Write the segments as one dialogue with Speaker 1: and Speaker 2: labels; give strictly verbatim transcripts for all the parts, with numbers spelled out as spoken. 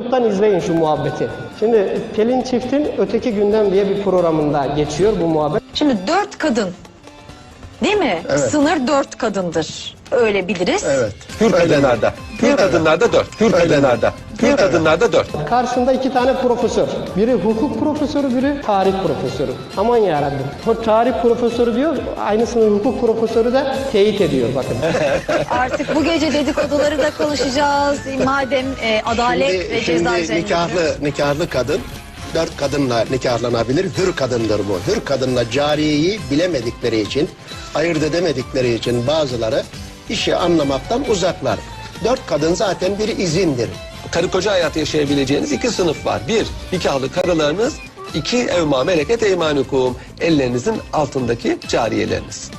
Speaker 1: YouTube'dan izleyin şu muhabbeti. Şimdi Pelin Çift'in Öteki Gündem diye bir programında geçiyor bu muhabbet.
Speaker 2: Şimdi dört kadın, değil mi?
Speaker 3: Evet.
Speaker 2: Sınır dört kadındır. Öyle biliriz.
Speaker 3: Evet.
Speaker 4: Hür kadınlarda. Hür kadınlarda dört. Hür kadınlarda. Hür kadınlarda dört.
Speaker 1: Karşında iki tane profesör. Biri hukuk profesörü, biri tarih profesörü. Aman yarabbim. O tarih profesörü diyor, aynısını hukuk profesörü de teyit ediyor bakın.
Speaker 2: Artık bu gece dedikoduları da konuşacağız. Madem e, adalet
Speaker 3: Şimdi,
Speaker 2: ve ceza
Speaker 3: şimdi
Speaker 2: üzerine.
Speaker 3: nikahlı, nikahlı kadın dört kadınla nikahlanabilir. Hür kadındır bu. Hür kadınla cariyeyi bilemedikleri için, ayırt edemedikleri için bazıları işi anlamaktan uzaklar. Dört kadın zaten bir izindir.
Speaker 4: Karı koca hayatı yaşayabileceğiniz iki sınıf var. Bir, nikahlı karılarınız. İki, evma meleket eymanukum. Ellerinizin altındaki cariyeleriniz.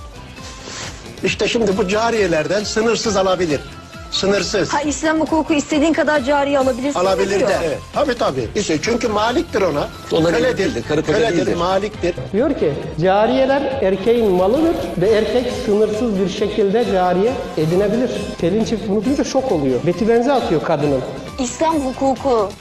Speaker 3: İşte şimdi bu cariyelerden sınırsız alabilir. Sınırsız.
Speaker 2: Ha, İslam hukuku istediğin kadar cariye alabilirsin.
Speaker 3: Alabilir
Speaker 2: diyor.
Speaker 3: de. Evet. Tabii tabii. İşte çünkü maliktir ona.
Speaker 4: Ona
Speaker 3: Köledir.
Speaker 4: değildir, karı koca
Speaker 3: Köledir,
Speaker 4: değildir.
Speaker 3: maliktir.
Speaker 1: Diyor ki cariyeler erkeğin malıdır ve erkek sınırsız bir şekilde cariye edinebilir. Pelin Çift bunu duyunca şok oluyor. Beti benze atıyor kadının.
Speaker 2: İslam hukuku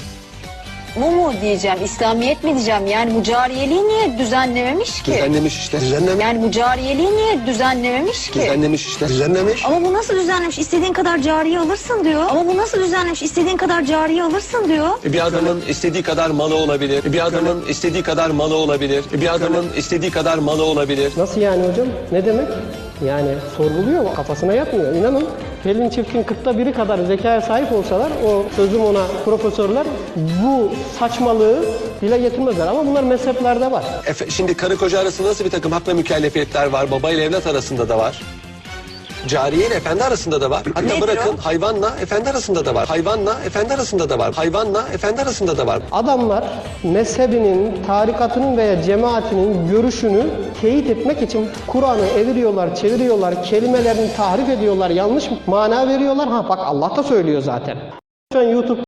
Speaker 2: bu mu diyeceğim, İslamiyet mi diyeceğim? Yani bu cariyeliği niye düzenlememiş ki?
Speaker 4: Düzenlemiş işte.
Speaker 3: Düzenlemiş.
Speaker 2: Yani bu cariyeliği niye düzenlememiş ki?
Speaker 4: Düzenlemiş işte.
Speaker 3: Düzenlemiş.
Speaker 2: Ama bu nasıl düzenlemiş? İstediğin kadar cariye alırsın diyor. Ama bu nasıl düzenlemiş? İstediğin kadar cariye alırsın diyor.
Speaker 4: E, Bir adamın istediği kadar malı olabilir. E, Bir adamın istediği kadar malı olabilir. E, Bir adamın istediği kadar malı olabilir.
Speaker 1: Nasıl yani hocam? Ne demek? Yani sorguluyor, kafasına yatmıyor. İnanın Pelin Çift'in kırkta biri kadar zekaya sahip olsalar o sözüm ona profesörler bu saçmalığı dile getirmezler. Ama bunlar mezheplerde var.
Speaker 4: Efe, şimdi karı koca arasında nasıl bir takım hak ve mükellefiyetler var? Baba ile evlat arasında da var. Cariye ile efendi arasında da var. Hatta
Speaker 2: Nedir
Speaker 4: bırakın
Speaker 2: o?
Speaker 4: hayvanla efendi arasında da var. Hayvanla efendi arasında da var. Hayvanla efendi arasında da var.
Speaker 1: Adamlar mezhebinin, tarikatının veya cemaatinin görüşünü teyit etmek için Kur'an'ı eviriyorlar, çeviriyorlar, kelimelerini tahrif ediyorlar, yanlış mana veriyorlar. Ha bak Allah da söylüyor zaten. Şu an YouTube